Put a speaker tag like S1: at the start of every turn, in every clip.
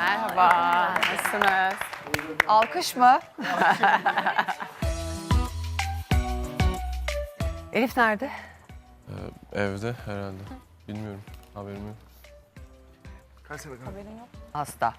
S1: Merhaba, nasılsınız? Alkış mı? Elif nerede?
S2: Evde herhalde. Bilmiyorum. Haberim yok.
S3: Kaç sene kanka?
S1: Hasta.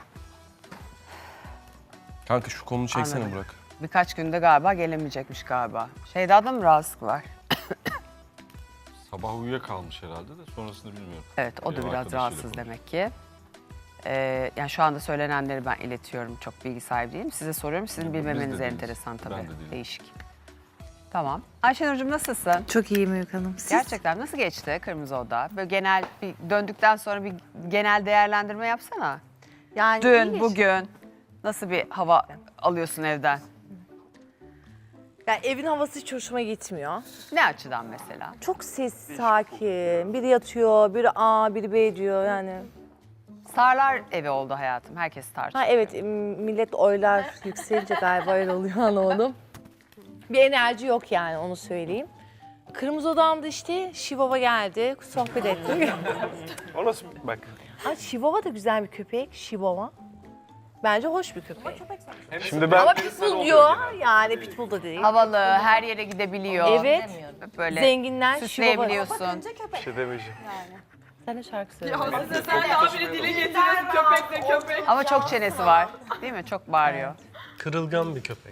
S2: Kanka şu kolunu çeksene
S1: Anladım.
S2: Burak.
S1: Birkaç günde galiba gelemeyecekmiş galiba. Şeyda'da mı rahatsızlık var?
S4: Sabah uyuyakalmış herhalde de sonrasını bilmiyorum.
S1: Evet, o da
S4: Ev
S1: biraz
S4: arkadaşıyla
S1: rahatsız
S4: konuşuyor.
S1: demek ki. Yani şu anda söylenenleri ben iletiyorum. Çok bilgi sahibi değilim. Size soruyorum. Sizin
S4: Biz de
S1: bilmemeniz
S4: değiliz.
S1: enteresan tabii.
S4: Ben de değilim.
S1: Değişik. Tamam. Ayşenur'cum nasılsın?
S5: Çok iyiyim Öykü Hanım. Siz?
S1: Gerçekten nasıl geçti Kırmızı Oda? Böyle genel, bir döndükten sonra bir genel değerlendirme yapsana.
S5: Yani iyi
S1: Dün,
S5: geçti.
S1: bugün nasıl bir hava alıyorsun evden?
S5: Yani evin havası hiç hoşuma gitmiyor.
S1: Ne açıdan mesela?
S5: Çok sessiz, sakin. Biri yatıyor, biri A, biri B diyor yani.
S1: Starlar evi oldu hayatım. Herkes tartışıyor.
S5: Ha evet, millet oylar yükselince galiba öyle oluyor, anlamadım. Bir enerji yok yani, onu söyleyeyim. Kırmızı Odam'da işte Şivava geldi, sohbet ettik.
S3: O nasıl bak?
S5: Ay Şivava da güzel bir köpek, Şivava. Bence hoş bir köpek.
S3: Şimdi ben
S5: Ama Pitbull diyor, yani Pitbull da değil.
S1: Havalı, her yere gidebiliyor.
S5: Evet,
S1: Böyle
S5: zenginler Şivava.
S1: süsleyebiliyorsun.
S3: bir şey demeyeceğim.
S5: Sen de şarkı söyle.
S1: Ama çok çenesi var. Değil mi? Çok bağırıyor.
S6: Kırılgan bir köpek.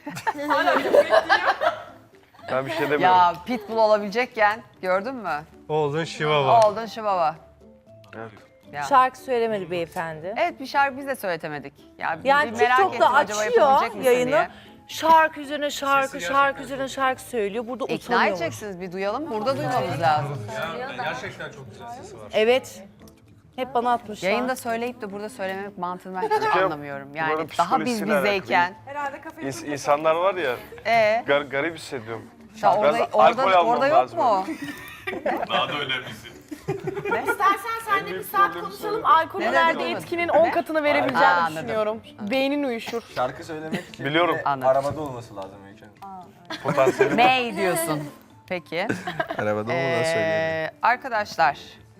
S3: Ben bir şey demiyorum.
S1: Ya pitbull olabilecekken gördün mü?
S6: Oğlun Şivava.
S1: Oldun şivava.
S3: Evet.
S1: Ya.
S5: Şarkı söylemedi beyefendi.
S1: Evet, bir şarkı biz de söyletemedik. Ya
S5: Yani
S1: bir merak
S5: TikTok'ta
S1: ettim, acaba
S5: açıyor
S1: yapabilecek misin
S5: yayını.
S1: diye.
S5: Şarkı üzerine şarkı, şarkı üzerine şarkı söylüyor. Burada
S1: İkna
S5: utanıyormuş.
S1: edeceksiniz, bir duyalım. Burada duymamız lazım.
S6: Gerçekten çok güzel sesi var.
S5: Evet. Hep bana atmışlar.
S1: Yayında söyleyip de burada söylememek mantığını ben hiç
S3: kere
S1: anlamıyorum. Yani
S3: bunların
S1: daha biz
S3: psikolojisiyle
S1: bizeyken.
S3: İnsanlar var ya,
S1: Ee,
S3: garip hissediyorum.
S1: ya
S3: Biraz alkol almam
S1: orada yok
S3: lazım.
S1: mu?
S4: Daha da önemlisi.
S5: İstersen sen de bir saat konuşalım. Alkol
S1: Neden
S5: verdiği
S1: duymadın?
S5: etkinin 10 katını verebileceğimi
S1: Aa, anladım.
S5: düşünüyorum. Beynin uyuşur.
S7: Şarkı söylemek için
S3: Biliyorum.
S1: Anladım.
S7: arabada olması lazım Öykü Hanım.
S3: Potansiyeli.
S1: May diyorsun. Peki.
S2: Arabada olmadan söyleyeyim.
S1: Arkadaşlar,